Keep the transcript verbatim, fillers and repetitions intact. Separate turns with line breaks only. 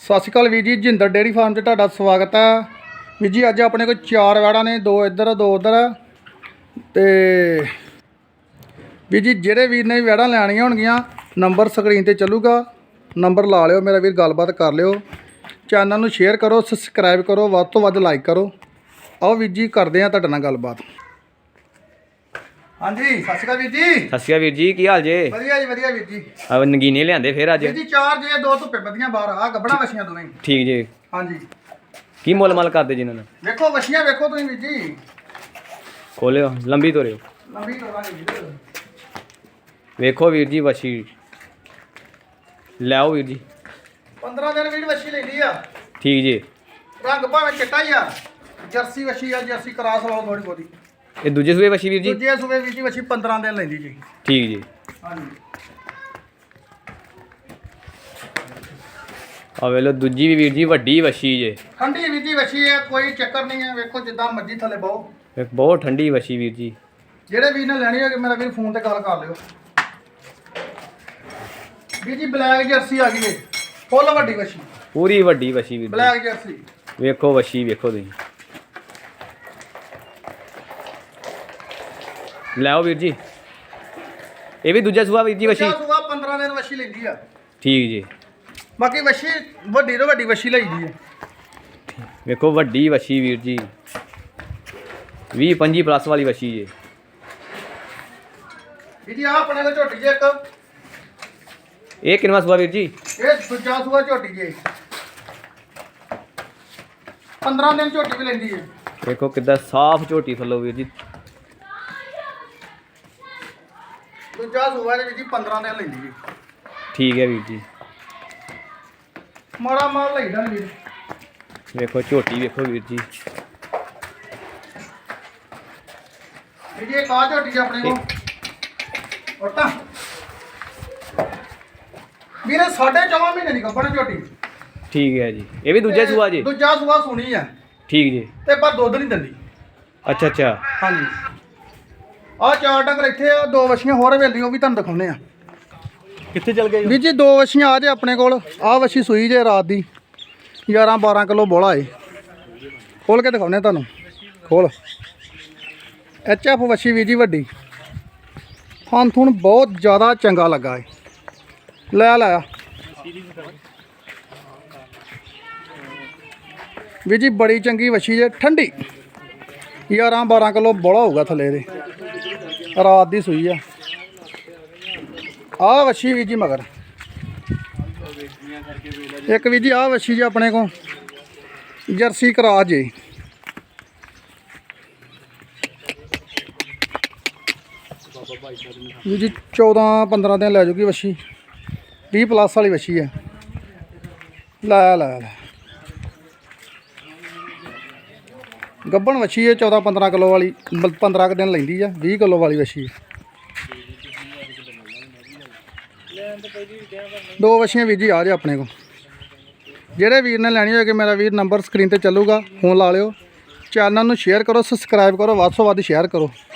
सत श्री अकाल वीर जी, जिंदर डेयरी फार्म से तुहाडा स्वागत है। वीर जी अज अपने को चार वैड़ा ने, दो इधर दो उधर। तो वीर जी जेड़े वीर ने वैड़ा लैनियां होणगियां नंबर स्क्रीन ते चलूगा, नंबर ला लियो मेरा वीर, गलबात कर लियो। चैनल नूं शेयर करो, सबसक्राइब करो, वध तो वध लाइक करो। आओ वीर जी करदे आं तुहाडे नाल गलबात। हाँ जी सत श्री अकाल वीर जी।
सत श्री अकाल वीर जी, की हाल जे?
वधिया जी वधिया वीर जी।
अब नगीने लिआंदे फिर अज?
वीर जी चार जे, दो धुप्पे बधियां बाहर आ गब्बड़ा वछियां दोवें।
ठीक जी।
हाँ जी
की मुल मल करदे जी इन्हां दा?
वेखो वछियां वेखो तुसीं वीर जी,
खोलियो लंबी तोरियो,
लंबी तोड़ांगे वीर।
वेखो वीर जी वछी लिआओ वीर जी।
पंद्रह दिन वीर वछी लैंदी आ।
ठीक जी।
रंग भावें चिट्टा ही आ, जर्सी वछी आ, जर्सी क्रॉस वाला थोड़ी बहुती।
ये दूजे सूबे वछी वीर जी?
दूजे सूबे वीर जी वछी पंद्रह दिन लैंदी जी।
ठीक जी।
हाँ जी
आ वेलो दूजी भी वीर जी वड्डी वछी जे,
ठंडी वीर जी वछी है, कोई चक्कर नहीं है। वेखो जिद्दां मर्जी थले बहु।
एक बहुत ठंडी वछी वीर जी।
जेड़े वीर ने लैनी होगी मेरा वीर फोन ते गल कर लियो। वीर जी ब्लैक जर्सी आ गई है, फुल वड्डी वछी,
पूरी वड्डी वछी वीर जी।
ब्लैक जर्सी
वेखो वछी वेखो तुसीं। लिआओ वीर जी। ये भी दूजा सूबा वीर जी वछी?
सुबह पंद्रह दिन वछी लैंदी आ।
ठीक जी।
बाकी वछी वड्डी तो वड्डी वछी लईदी है।
वेखो वड्डी वछी वीर जी, भी पंजी प्लस वाली वछी जे।
वीर जी आ अपने को झोटी जे एक,
ये किनवा सूबा वीर जी?
ये दूजा सुबह झोटी जे, पंद्रह दिन झोटी भी लैंदी है।
देखो कितना साफ झोटी थल्लो वीर जी।
दूजा सुबह वीर जी पंद्रह दिन लैंदी है।
ठीक है वीर जी।
माड़ा माल लईदा नी वीर।
देखो झोटी देखो वीर जी।
वीर जी एक आ झोटी है अपने को ओटा वीर, साढ़े चौदह महीने की गब्बड़ झोटी।
ठीक है जी। ये भी दूजा सूबा जी?
दूजा सुबह सुनी है
ठीक जी।
ते पर दुध नहीं दिंदी।
अच्छा अच्छा।
हाँ जी आ चार डंगर इत्थे आ, दो वछियां होर वेली वो भी तुहानूं दिखाउने आ।
कित्थे चल गए
वीर जी दो वछियां आ जे अपने कोल। आ वछी सूई जे रात दी, ग्यारह बारह किलो बोला है। खोल के दिखाउने तुहानूं, खोल। एच एफ वछी वीर जी वड्डी, थन थुन बहुत ज़्यादा चंगा लगा है। लै लाया वीर जी, बड़ी चंगी वछी जे, ठंडी, ग्यारह बारह किलो बोला होगा थले दे, रात दी सूई है। आ वछी वीर जी मगर एक वीर जी आ वछी जी अपने को जर्सी करा जे। वीर जी चौदह पंद्रह दिन लै जूगी वछी, भी प्लस वाली वछी है। लै लै लै गब्बन वछी है, चौदह पंद्रह किलो वाली, पंद्रह दिन लैंदी है, भी किलो वाली वछी है। दो वछियां वीर जी आ जाए अपने को। जेड़े वीर ने लैनी होगी मेरा वीर, नंबर स्क्रीन ते चलूगा, फोन ला लियो। चैनल नूं शेयर करो, सबसक्राइब करो, वध तो वध शेयर करो।